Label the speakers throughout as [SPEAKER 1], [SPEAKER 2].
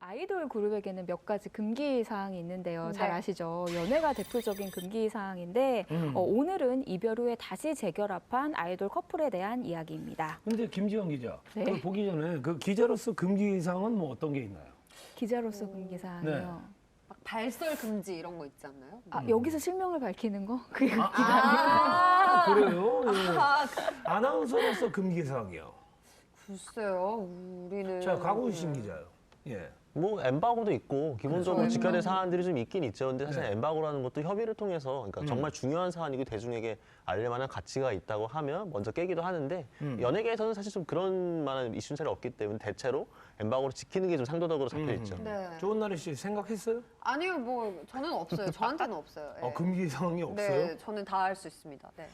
[SPEAKER 1] 아이돌 그룹에게는 몇 가지 금기 사항이 있는데요. 잘
[SPEAKER 2] 네.
[SPEAKER 1] 아시죠? 연애가 대표적인 금기 사항인데 오늘은 이별 후에 다시 재결합한 아이돌 커플에 대한 이야기입니다.
[SPEAKER 3] 근데 김지영 기자,
[SPEAKER 1] 네.
[SPEAKER 3] 그걸 보기 전에 그 기자로서 금기사항은 뭐 어떤 게 있나요?
[SPEAKER 1] 기자로서 금기 사항이요.
[SPEAKER 3] 네.
[SPEAKER 2] 막 발설 금지 이런 거 있지 않나요?
[SPEAKER 1] 아, 여기서 실명을 밝히는 거? 그게 금기가 아니고.
[SPEAKER 3] 아, 그래요? 예. 아나운서로서 금기사항이요.
[SPEAKER 2] 글쎄요, 우리는.
[SPEAKER 3] 자, 강훈신 기자요. 예.
[SPEAKER 4] 뭐 엠바고도 있고 기본적으로
[SPEAKER 2] 그렇죠,
[SPEAKER 4] 지켜야 될
[SPEAKER 2] 엠바고.
[SPEAKER 4] 사안들이 좀 있긴 있죠. 근데 사실
[SPEAKER 3] 네.
[SPEAKER 4] 엠바고라는 것도 협의를 통해서 그러니까 정말 중요한 사안이고 대중에게 알릴 만한 가치가 있다고 하면 먼저 깨기도 하는데 연예계에서는 사실 좀 그런 만한 이슈는 잘 없기 때문에 대체로 엠바고를 지키는 게 좀 상도덕으로 잡혀 있죠.
[SPEAKER 2] 네.
[SPEAKER 3] 조은나리 씨 생각했어요?
[SPEAKER 2] 아니요, 뭐 저는 없어요. 저한테는 없어요. 예.
[SPEAKER 3] 금기사항이 없어요?
[SPEAKER 2] 네, 저는 다 할 수 있습니다. 네.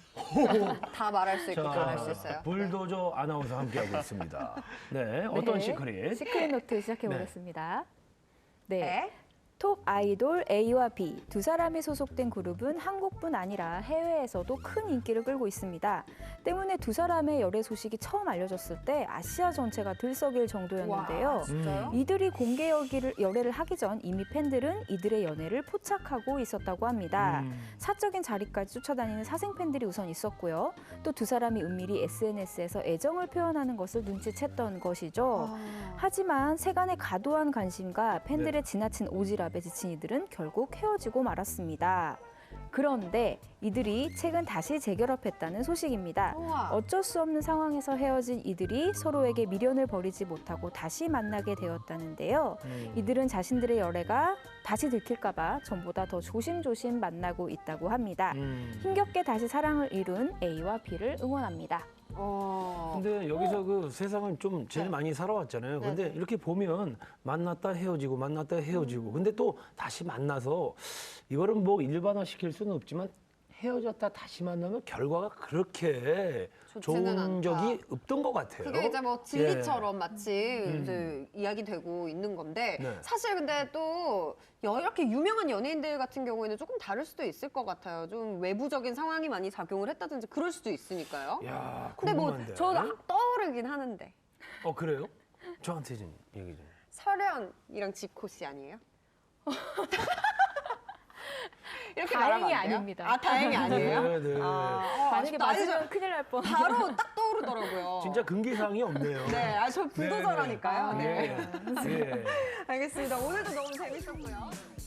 [SPEAKER 2] 다 말할 수 있고 다 할 수 있어요.
[SPEAKER 3] 불도저 아나운서 함께하고 있습니다. 네, 어떤
[SPEAKER 1] 네.
[SPEAKER 3] 시크릿?
[SPEAKER 1] 시크릿 노트 시작해 보겠습니다. 네.
[SPEAKER 2] 네.
[SPEAKER 1] 톱 아이돌 A와 B 두 사람이 소속된 그룹은 한국뿐 아니라 해외에서도 큰 인기를 끌고 있습니다. 때문에 두 사람의 열애 소식이 처음 알려졌을 때 아시아 전체가 들썩일 정도였는데요.
[SPEAKER 2] 와, 진짜요?
[SPEAKER 1] 이들이 공개 열애를 하기 전 이미 팬들은 이들의 연애를 포착하고 있었다고 합니다. 사적인 자리까지 쫓아다니는 사생 팬들이 우선 있었고요. 또 두 사람이 은밀히 SNS에서 애정을 표현하는 것을 눈치챘던 것이죠. 하지만 세간의 과도한 관심과 팬들의 지나친 오지랖에 지친 이들은 결국 헤어지고 말았습니다. 그런데 이들이 최근 다시 재결합했다는 소식입니다.
[SPEAKER 2] 우와.
[SPEAKER 1] 어쩔 수 없는 상황에서 헤어진 이들이 서로에게 미련을 버리지 못하고 다시 만나게 되었다는데요. 이들은 자신들의 열애가 다시 들킬까 봐 전보다 더 조심조심 만나고 있다고 합니다. 힘겹게 다시 사랑을 이룬 A와 B를 응원합니다.
[SPEAKER 3] 근데 여기서 그 세상을 좀 제일
[SPEAKER 2] 네.
[SPEAKER 3] 많이 살아왔잖아요. 근데
[SPEAKER 2] 네.
[SPEAKER 3] 이렇게 보면 만났다 헤어지고 만났다 헤어지고 근데 또 다시 만나서 이거를 뭐 일반화 시킬 수는 없지만 헤어졌다 다시 만나면 결과가 그렇게
[SPEAKER 2] 좋지는
[SPEAKER 3] 좋은
[SPEAKER 2] 않다.
[SPEAKER 3] 적이 없던 것 같아요.
[SPEAKER 2] 그게 이제 뭐 진리처럼 마치 이제 이야기되고 있는 건데
[SPEAKER 3] 네.
[SPEAKER 2] 사실 근데 또 이렇게 유명한 연예인들 같은 경우에는 조금 다를 수도 있을 것 같아요. 좀 외부적인 상황이 많이 작용을 했다든지 그럴 수도 있으니까요.
[SPEAKER 3] 야,
[SPEAKER 2] 근데 뭐
[SPEAKER 3] 궁금한데.
[SPEAKER 2] 저도 떠오르긴 하는데
[SPEAKER 3] 그래요? 저한테 좀 얘기 좀.
[SPEAKER 2] 설현이랑 지코 씨 아니에요? 이렇게
[SPEAKER 1] 다행히
[SPEAKER 2] 말하면 안 돼요?
[SPEAKER 1] 아닙니다.
[SPEAKER 2] 아, 다행이 아니에요?
[SPEAKER 3] 네, 네.
[SPEAKER 1] 만약에
[SPEAKER 2] 아쉽다. 아니,
[SPEAKER 1] 맞으면 큰일 날 뻔.
[SPEAKER 2] 바로 딱 떠오르더라고요.
[SPEAKER 3] 진짜 금기사항이 없네요.
[SPEAKER 2] 네, 저 불도저라니까요. 네.
[SPEAKER 3] 예. 예.
[SPEAKER 2] 알겠습니다. 오늘도 너무 재밌었고요.